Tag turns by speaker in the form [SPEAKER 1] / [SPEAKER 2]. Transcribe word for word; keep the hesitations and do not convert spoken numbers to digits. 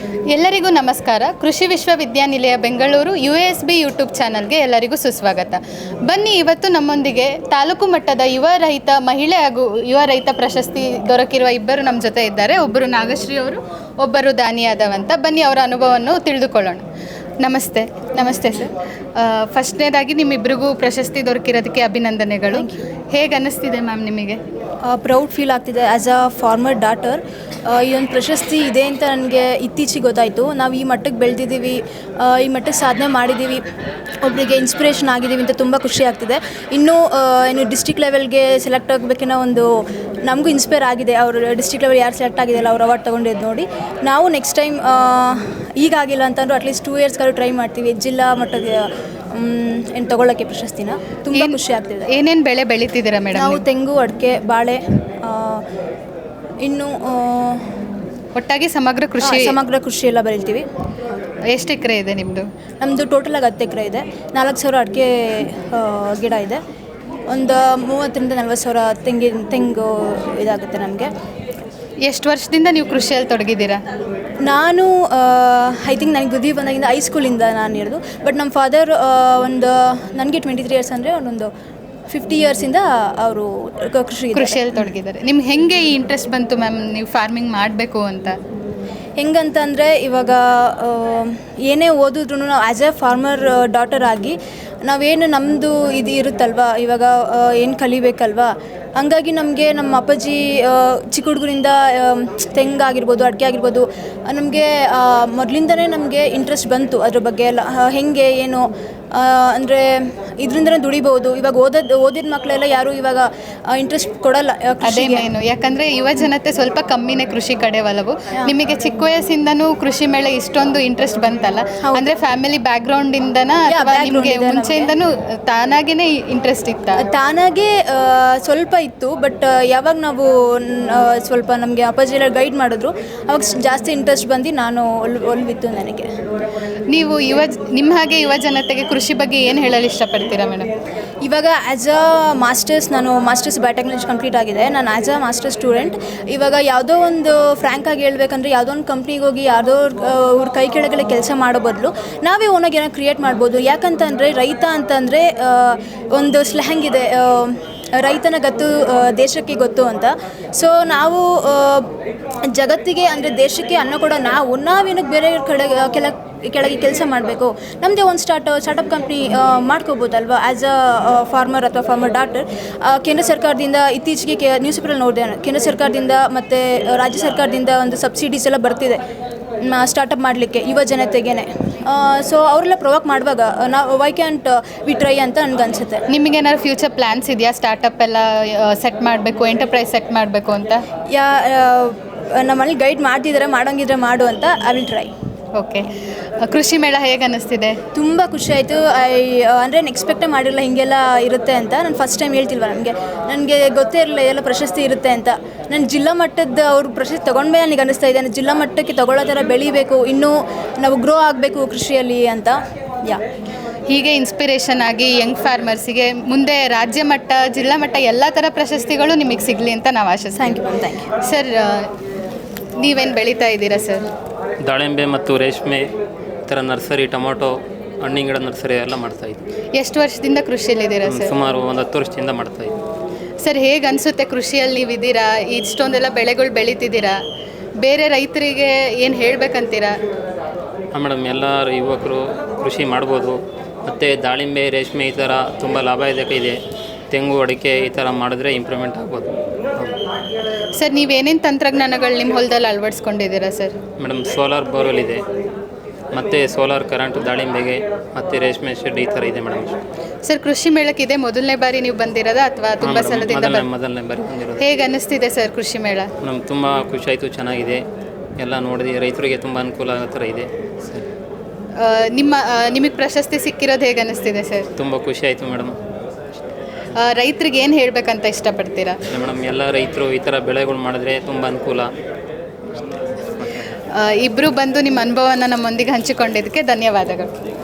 [SPEAKER 1] ಎಲ್ಲರಿಗೂ ನಮಸ್ಕಾರ. ಕೃಷಿ ವಿಶ್ವವಿದ್ಯಾನಿಲಯ Bengaluru U S B YouTube ಚಾನಲ್ಗೆ ಎಲ್ಲರಿಗೂ ಸುಸ್ವಾಗತ. ಬನ್ನಿ, ಇವತ್ತು ನಮ್ಮೊಂದಿಗೆ ತಾಲೂಕು ಮಟ್ಟದ ಯುವ ರೈತ ಮಹಿಳೆ ಹಾಗೂ ಯುವ ರೈತ ಪ್ರಶಸ್ತಿ ದೊರಕಿರುವ ಇಬ್ಬರು ನಮ್ಮ ಜೊತೆ ಇದ್ದಾರೆ. ಒಬ್ಬರು ನಾಗಶ್ರೀ ಅವರು, ಒಬ್ಬರು ದಾನಿ ಯಾದವ್ ಅಂತ. ಬನ್ನಿ ಅವರ ಅನುಭವವನ್ನು ತಿಳಿದುಕೊಳ್ಳೋಣ. ನಮಸ್ತೆ. ನಮಸ್ತೆ ಸರ್. ಫಸ್ಟ್ನೇದಾಗಿ ನಿಮ್ಮಿಬ್ಬರಿಗೂ ಪ್ರಶಸ್ತಿ ದೊರಕಿರೋದಕ್ಕೆ ಅಭಿನಂದನೆಗಳು. ಹೇಗೆ ಅನ್ನಿಸ್ತಿದೆ ಮ್ಯಾಮ್ ನಿಮಗೆ?
[SPEAKER 2] ಪ್ರೌಡ್ ಫೀಲ್ ಆಗ್ತಿದೆ ಆ್ಯಸ್ ಅ ಫಾರ್ಮರ್ ಡಾಟರ್. ಈ ಒಂದು ಪ್ರಶಸ್ತಿ ಇದೆ ಅಂತ ನನಗೆ ಇತ್ತೀಚೆಗೆ ಗೊತ್ತಾಯಿತು. ನಾವು ಈ ಮಟ್ಟಕ್ಕೆ ಬೆಳೆದಿದ್ದೀವಿ, ಈ ಮಟ್ಟಕ್ಕೆ ಸಾಧನೆ ಮಾಡಿದ್ದೀವಿ, ಒಬ್ಬರಿಗೆ ಇನ್ಸ್ಪಿರೇಷನ್ ಆಗಿದ್ದೀವಿ ಅಂತ ತುಂಬ ಖುಷಿ ಆಗ್ತಿದೆ. ಇನ್ನೂ ಏನು ಡಿಸ್ಟ್ರಿಕ್ಟ್ ಲೆವೆಲ್ಗೆ ಸೆಲೆಕ್ಟ್ ಆಗಬೇಕನ್ನೋ ಒಂದು ನಮಗೂ ಇನ್ಸ್ಪೈರ್ ಆಗಿದೆ. ಅವರು ಡಿಸ್ಟ್ರಿಕ್ಟ್ ಲೆವೆಲ್ ಯಾರು ಸೆಲೆಕ್ಟ್ ಆಗಿದೆಯಲ್ಲ ಅವ್ರು ಅವಾರ್ಡ್ ತೊಗೊಂಡಿದ್ದು ನೋಡಿ ನಾವು ನೆಕ್ಸ್ಟ್ ಟೈಮ್ ಈಗಾಗಿಲ್ಲ ಅಂತಂದ್ರೂ ಅಟ್ಲೀಸ್ಟ್ ಟೂ ಇಯರ್ಸ್ಗಾದ್ರು ಟ್ರೈ ಮಾಡ್ತೀವಿ ಜಿಲ್ಲಾ ಮಟ್ಟದ ಏನು ತೊಗೊಳ್ಳೋಕ್ಕೆ ಪ್ರಶಸ್ತಿನ. ತುಂಬ ಖುಷಿ ಆಗ್ತಿದೆ.
[SPEAKER 1] ಏನೇನು ಬೆಳೆ ಬೆಳೀತಿದ್ದೀರಾ ಮೇಡಮ್?
[SPEAKER 2] ನಾವು ತೆಂಗು, ಅಡಿಕೆ, ಬಾಳೆ, ಇನ್ನು
[SPEAKER 1] ಒಟ್ಟಾಗಿ ಸಮಗ್ರ ಕೃಷಿ
[SPEAKER 2] ಸಮಗ್ರ ಕೃಷಿ ಎಲ್ಲ ಬೆಳಿತೀವಿ.
[SPEAKER 1] ಎಷ್ಟು ಎಕರೆ ಇದೆ ನಿಮ್ಮದು?
[SPEAKER 2] ನಮ್ಮದು ಟೋಟಲಾಗಿ ಹತ್ತು ಎಕರೆ ಇದೆ. ನಾಲ್ಕು ಸಾವಿರ ಅಡಿಕೆ ಗಿಡ ಇದೆ. ಒಂದು ಮೂವತ್ತರಿಂದ ನಲ್ವತ್ತು ಸಾವಿರ ತೆಂಗಿನ ತೆಂಗು ಇದಾಗುತ್ತೆ ನಮಗೆ.
[SPEAKER 1] ಎಷ್ಟು ವರ್ಷದಿಂದ ನೀವು ಕೃಷಿಯಲ್ಲಿ ತೊಡಗಿದ್ದೀರಾ?
[SPEAKER 2] ನಾನು ಐ ಥಿಂಕ್ ನನಗೆ ಬುದ್ಧಿ ಬಂದಾಗಿಂದ ಹೈಸ್ಕೂಲಿಂದ ನಾನು ಇರೋದು. ಬಟ್ ನಮ್ಮ ಫಾದರ್ ಒಂದು ನನಗೆ ಟ್ವೆಂಟಿ ತ್ರೀ ಇಯರ್ಸ್ ಅಂದರೆ ಒಂದೊಂದು ಫಿಫ್ಟಿ ಇಯರ್ಸಿಂದ ಅವರು ಕೃಷಿ
[SPEAKER 1] ಕೃಷಿಯಲ್ಲಿ ತೊಡಗಿದ್ದಾರೆ. ನಿಮ್ಗೆ ಹೇಗೆ ಈ ಇಂಟ್ರೆಸ್ಟ್ ಬಂತು ಮ್ಯಾಮ್ ನೀವು ಫಾರ್ಮಿಂಗ್ ಮಾಡಬೇಕು ಅಂತ?
[SPEAKER 2] ಹೆಂಗಂತಂದರೆ ಇವಾಗ ಏನೇ ಓದಿದ್ರು ನಾವು ಆ್ಯಸ್ ಎ ಫಾರ್ಮರ್ ಡಾಟರ್ ಆಗಿ ನಾವೇನು ನಮ್ಮದು ಇದು ಇರುತ್ತಲ್ವ, ಇವಾಗ ಏನು ಕಲಿಬೇಕಲ್ವ, ಹಂಗಾಗಿ ನಮಗೆ ನಮ್ಮ ಅಪ್ಪಾಜಿ ಚಿಕ್ಕ ಹುಡುಗರಿಂದ ತೆಂಗಾಗಿರ್ಬೋದು, ಅಡಿಕೆ ಆಗಿರ್ಬೋದು, ನಮಗೆ ಮೊದಲಿಂದನೇ ನಮಗೆ ಇಂಟ್ರೆಸ್ಟ್ ಬಂತು ಅದ್ರ ಬಗ್ಗೆ ಎಲ್ಲ. ಹೇಗೆ ಏನು ಅಂದರೆ ಇದರಿಂದನೇ ದುಡಿಬೋದು. ಇವಾಗ ಓದೋದು ಓದಿದ ಮಕ್ಕಳೆಲ್ಲ ಯಾರು ಇವಾಗ ಇಂಟ್ರೆಸ್ಟ್ ಕೊಡಲ್ಲ.
[SPEAKER 1] ಅದೇ ಮೇನು, ಯಾಕಂದರೆ ಯುವ ಜನತೆ ಸ್ವಲ್ಪ ಕಮ್ಮಿನೇ ಕೃಷಿ ಕಡೆ ಒಲವು. ನಿಮಗೆ ಚಿಕ್ಕ ವಯಸ್ಸಿಂದನೂ ಕೃಷಿ ಮೇಲೆ ಇಷ್ಟೊಂದು ಇಂಟ್ರೆಸ್ಟ್ ಬಂತಲ್ಲ, ಅಂದರೆ ಫ್ಯಾಮಿಲಿ ಬ್ಯಾಕ್ಗ್ರೌಂಡಿಂದನ ಅಥವಾ ನಿಮಗೆ ಮುಂಚೆಯಿಂದನೂ ತಾನಾಗೇ ಇಂಟ್ರೆಸ್ಟ್ ಇತ್ತ?
[SPEAKER 2] ತಾನಾಗೇ ಸ್ವಲ್ಪ ಇತ್ತು. ಬಟ್ ಯಾವಾಗ ನಾವು ಸ್ವಲ್ಪ ನಮಗೆ ಅಪ್ಪಾಜಿ ಎಲ್ಲ ಗೈಡ್ ಮಾಡಿದ್ರು ಅವಾಗ ಜಾಸ್ತಿ ಇಂಟ್ರೆಸ್ಟ್ ಬಂದು ನಾನು ಒಲ್ ಒಲ್ವಿತ್ತು ನನಗೆ.
[SPEAKER 1] ನೀವು ಯುವ ನಿಮ್ಮ ಹಾಗೆ ಯುವ ಜನತೆಗೆ ಕೃಷಿ ಬಗ್ಗೆ ಏನು ಹೇಳಲು ಇಷ್ಟಪಡ್ತೀರಾ ಮೇಡಮ್?
[SPEAKER 2] ಇವಾಗ ಆ್ಯಸ್ ಅ ಮಾಸ್ಟರ್ಸ್ ನಾನು ಮಾಸ್ಟರ್ಸ್ ಬಯೋಟೆಕ್ನಾಲಜಿ ಕಂಪ್ಲೀಟ್ ಆಗಿದೆ. ನಾನು ಆ್ಯಸ್ ಅ ಮಾಸ್ಟರ್ಸ್ ಸ್ಟೂಡೆಂಟ್. ಇವಾಗ ಯಾವುದೋ ಒಂದು ಫ್ರ್ಯಾಂಕಾಗಿ ಹೇಳ್ಬೇಕಂದ್ರೆ ಯಾವುದೋ ಒಂದು ಕಂಪ್ನಿಗೆ ಹೋಗಿ ಯಾವುದೋ ಅವ್ರ ಕೈ ಕೆಳಗಡೆ ಕೆಲಸ ಮಾಡೋ ಬದಲು ನಾವೇ ಓನಾಗಿ ಏನೋ ಕ್ರಿಯೇಟ್ ಮಾಡ್ಬೋದು. ಯಾಕಂತಂದರೆ ರೈತ ಅಂತಂದರೆ ಒಂದು ಸ್ಲ್ಯಾಂಗ್ ಇದೆ, ರೈತನ ಗತ್ತು ದೇಶಕ್ಕೆ ಗೊತ್ತು ಅಂತ. ಸೊ ನಾವು ಜಗತ್ತಿಗೆ ಅಂದರೆ ದೇಶಕ್ಕೆ ಅನ್ನ ಕೊಡೋ ನಾವು ನಾವೇನಕ್ಕೆ ಬೇರೆ ಕಡೆ ಕೆಲ ಕೆಳಗೆ ಕೆಲಸ ಮಾಡಬೇಕು, ನಮ್ಮದೇ ಒಂದು ಸ್ಟಾರ್ಟ್ ಸ್ಟಾರ್ಟಪ್ ಕಂಪ್ನಿ ಮಾಡ್ಕೋಬೋದಲ್ವ ಆ್ಯಸ್ ಅ ಫಾರ್ಮರ್ ಅಥವಾ ಫಾರ್ಮರ್ ಡಾಕ್ಟರ್. ಕೇಂದ್ರ ಸರ್ಕಾರದಿಂದ ಇತ್ತೀಚೆಗೆ ಕೆ ನ್ಯೂಸ್ ಪೇಪರಲ್ಲಿ ನೋಡಿದೆ, ಕೇಂದ್ರ ಸರ್ಕಾರದಿಂದ ಮತ್ತು ರಾಜ್ಯ ಸರ್ಕಾರದಿಂದ ಒಂದು ಸಬ್ಸಿಡೀಸ್ ಎಲ್ಲ ಬರ್ತಿದೆ ಸ್ಟಾರ್ಟಪ್ ಮಾಡಲಿಕ್ಕೆ ಯುವ ಜನತೆಗೇ. ಸೊ ಅವರೆಲ್ಲ ಪ್ರೊವೋಕ್ ಮಾಡುವಾಗ ನಾವು ವೈ ಕ್ಯಾಂಟ್ ವಿ ಟ್ರೈ ಅಂತ ನನಗನ್ಸುತ್ತೆ.
[SPEAKER 1] ನಿಮಗೇನಾದ್ರು ಫ್ಯೂಚರ್ ಪ್ಲ್ಯಾನ್ಸ್ ಇದೆಯಾ? ಸ್ಟಾರ್ಟಪ್ ಎಲ್ಲ ಸೆಟ್ ಮಾಡಬೇಕು, ಎಂಟರ್ಪ್ರೈಸ್ ಸೆಟ್ ಮಾಡಬೇಕು ಅಂತ?
[SPEAKER 2] ಯಾ ನಮ್ಮಲ್ಲಿ ಗೈಡ್ ಮಾಡ್ತಿದ್ದಾರೆ, ಮಾಡೋಂಗಿದ್ರೆ ಮಾಡು ಅಂತ. I will try.
[SPEAKER 1] ಓಕೆ. ಕೃಷಿ ಮೇಳ ಹೇಗೆ ಅನ್ನಿಸ್ತಿದೆ?
[SPEAKER 2] ತುಂಬ ಖುಷಿ ಆಯಿತು. ಐ ಅಂದರೆ ಎಕ್ಸ್ಪೆಕ್ಟೇ ಮಾಡಿರಲಿಲ್ಲ ಹೀಗೆಲ್ಲ ಇರುತ್ತೆ ಅಂತ. ನಾನು ಫಸ್ಟ್ ಟೈಮ್ ಹೇಳ್ತಿಲ್ವ, ನನಗೆ ನನಗೆ ಗೊತ್ತೇ ಇರಲಿಲ್ಲ ಇದೆಲ್ಲ ಪ್ರಶಸ್ತಿ ಇರುತ್ತೆ ಅಂತ. ನಾನು ಜಿಲ್ಲಾ ಮಟ್ಟದ ಅವ್ರ ಪ್ರಶಸ್ತಿ ತೊಗೊಂಡ್ಮೇಲೆ ನನಗೆ ಅನ್ನಿಸ್ತಾ ಇದೆ ಜಿಲ್ಲಾ ಮಟ್ಟಕ್ಕೆ ತೊಗೊಳ್ಳೋ ಥರ ಬೆಳಿಬೇಕು, ಇನ್ನೂ ನಾವು ಗ್ರೋ ಆಗಬೇಕು ಕೃಷಿಯಲ್ಲಿ ಅಂತ. ಯಾ
[SPEAKER 1] ಹೀಗೆ ಇನ್ಸ್ಪಿರೇಷನ್ ಆಗಿ ಯಂಗ್ ಫಾರ್ಮರ್ಸಿಗೆ ಮುಂದೆ ರಾಜ್ಯ ಮಟ್ಟ, ಜಿಲ್ಲಾ ಮಟ್ಟ ಎಲ್ಲ ಥರ ಪ್ರಶಸ್ತಿಗಳು ನಿಮಗೆ ಸಿಗಲಿ ಅಂತ ನಾವು ಆಶಿಸ್ತೀವಿ.
[SPEAKER 2] Thank you thank you
[SPEAKER 1] sir. ನೀವೇನು ಬೆಳೀತಾ ಇದ್ದೀರಾ ಸರ್?
[SPEAKER 3] ದಾಳಿಂಬೆ ಮತ್ತು ರೇಷ್ಮೆ, ಈ ಥರ ನರ್ಸರಿ, ಟೊಮೊಟೊ, ಹಣ್ಣಿನ ಗಿಡ ನರ್ಸರಿ ಎಲ್ಲ ಮಾಡ್ತಾಯಿದ್ವಿ.
[SPEAKER 1] ಎಷ್ಟು ವರ್ಷದಿಂದ ಕೃಷಿಯಲ್ಲಿದ್ದೀರಾ ಸರ್?
[SPEAKER 3] ಸುಮಾರು ಒಂದು ಹತ್ತು ವರ್ಷದಿಂದ ಮಾಡ್ತಾಯಿದ್ವಿ.
[SPEAKER 1] ಸರ್, ಹೇಗೆ ಅನಿಸುತ್ತೆ ಕೃಷಿಯಲ್ಲಿ ನೀವಿದ್ದೀರಾ, ಇಷ್ಟೊಂದೆಲ್ಲ ಬೆಳೆಗಳು ಬೆಳೀತಿದ್ದೀರಾ, ಬೇರೆ ರೈತರಿಗೆ ಏನು ಹೇಳಬೇಕಂತೀರಾ?
[SPEAKER 3] ಹಾಂ ಮೇಡಮ್, ಎಲ್ಲ ಯುವಕರು ಕೃಷಿ ಮಾಡ್ಬೋದು. ಮತ್ತು ದಾಳಿಂಬೆ, ರೇಷ್ಮೆ ಈ ಥರ ತುಂಬ ಲಾಭದಾಯಕ ಇದೆ. ತೆಂಗು, ಅಡಿಕೆ ಈ ಥರ ಮಾಡಿದ್ರೆ ಇಂಪ್ರೂವ್ಮೆಂಟ್ ಆಗ್ಬೋದು.
[SPEAKER 1] ಸರ್, ನೀವೇನೇನು ತಂತ್ರಜ್ಞಾನಗಳು ನಿಮ್ಮ ಹೊಲದಲ್ಲಿ ಅಳವಡಿಸ್ಕೊಂಡಿದ್ದೀರಾ ಸರ್?
[SPEAKER 3] ಮೇಡಮ್, ಸೋಲಾರ್ ಬೋರ್ವೆಲ್ ಇದೆ, ಮತ್ತು ಸೋಲಾರ್ ಕರೆಂಟ್ ದಾಳಿಂಬೆಗೆ, ಮತ್ತು ರೇಷ್ಮೆ ಶೆಡ್ ಈ ಥರ ಇದೆ ಮೇಡಮ್.
[SPEAKER 1] ಸರ್, ಕೃಷಿ ಮೇಳಕ್ಕೆ ಇದೆ ಮೊದಲನೇ ಬಾರಿ ನೀವು ಬಂದಿರೋದಾ ಅಥವಾ ತುಂಬ ಸಲದಿಂದ?
[SPEAKER 3] ಮೊದಲನೇ ಬಾರಿ ಬಂದಿರೋದು.
[SPEAKER 1] ಹೇಗೆ ಅನ್ನಿಸ್ತಿದೆ ಸರ್ ಕೃಷಿ ಮೇಳ?
[SPEAKER 3] ನಮ್ಗೆ ತುಂಬ ಖುಷಿ ಆಯಿತು, ಚೆನ್ನಾಗಿದೆ. ಎಲ್ಲ ನೋಡಿದೆ, ರೈತರಿಗೆ ತುಂಬ ಅನುಕೂಲ ಆಗೋ ಥರ ಇದೆ ಸರ್.
[SPEAKER 1] ನಿಮ್ಮ ನಿಮಗೆ ಪ್ರಶಸ್ತಿ ಸಿಕ್ಕಿರೋದು ಹೇಗೆ ಅನ್ನಿಸ್ತಿದೆ ಸರ್?
[SPEAKER 3] ತುಂಬ ಖುಷಿ ಆಯಿತು ಮೇಡಮ್.
[SPEAKER 1] ರೈತರಿಗೆ ಏನು ಹೇಳಬೇಕಂತ ಇಷ್ಟಪಡ್ತೀರಾ?
[SPEAKER 3] ಮೇಡಮ್, ಎಲ್ಲ ರೈತರು ಈ ಥರ ಬೆಳೆಗಳು ಮಾಡಿದ್ರೆ ತುಂಬ ಅನುಕೂಲ.
[SPEAKER 1] ಇಬ್ಬರು ಬಂದು ನಿಮ್ಮ ಅನುಭವನ ನಮ್ಮೊಂದಿಗೆ ಹಂಚಿಕೊಂಡಿದ್ದಕ್ಕೆ ಧನ್ಯವಾದಗಳು.